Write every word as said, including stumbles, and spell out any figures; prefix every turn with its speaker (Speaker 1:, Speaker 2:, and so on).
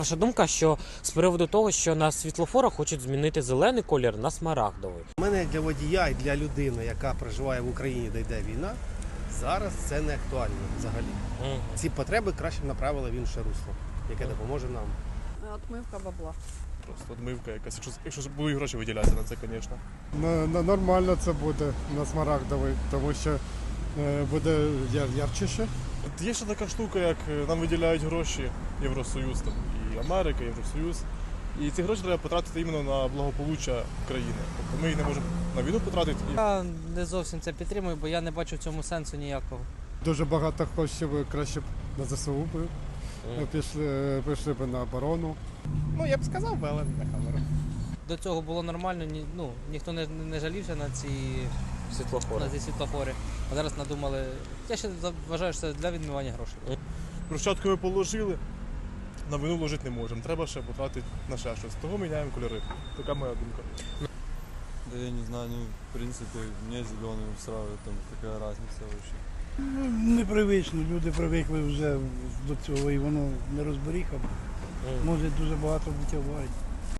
Speaker 1: Ваша думка, що з приводу того, що на світлофорах хочуть змінити зелений колір на смарагдовий?
Speaker 2: У мене як для водія і для людини, яка проживає в Україні, де йде війна, зараз це не актуально взагалі.
Speaker 1: Угу.
Speaker 2: Ці потреби краще б направили в інше русло, яке допоможе нам.
Speaker 3: Отмивка бабла.
Speaker 4: Просто відмивка якась, якщо, якщо були гроші виділятися на це, звісно.
Speaker 5: На, на, нормально це буде на смарагдовий, тому що е, буде яр, ярчіше.
Speaker 4: От є ще така штука, як е, нам виділяють гроші Євросоюз, там, і Америка, Євросоюз. І ці гроші треба потратити іменно на благополуччя країни. Тобто ми їх не можемо на війну потратити. І...
Speaker 6: Я не зовсім це підтримую, бо я не бачу в цьому сенсу ніякого.
Speaker 5: Дуже багато коштів краще б на ЗСУ б
Speaker 1: Угу.
Speaker 5: пішли, пішли б на оборону.
Speaker 7: Ну, я б сказав би, але не на камеру.
Speaker 6: До цього було нормально, ні, ну, ніхто не, не жалівся на ці,
Speaker 1: Світлофори.
Speaker 6: на ці світлофори. А зараз надумали. Я ще вважаю, що це для відмивання грошей.
Speaker 4: Брусчатку ми положили, на війну вложити не можемо. Треба ще потратити на ще щось. Того міняємо кольори. Така моя думка.
Speaker 8: Да я не знаю, ну, в принципе, мне зеленый устраивает, там, какая разница вообще.
Speaker 9: Ну, непривично, люди привикли вже до цього і воно не розберіха. Може дуже багато бути аварій.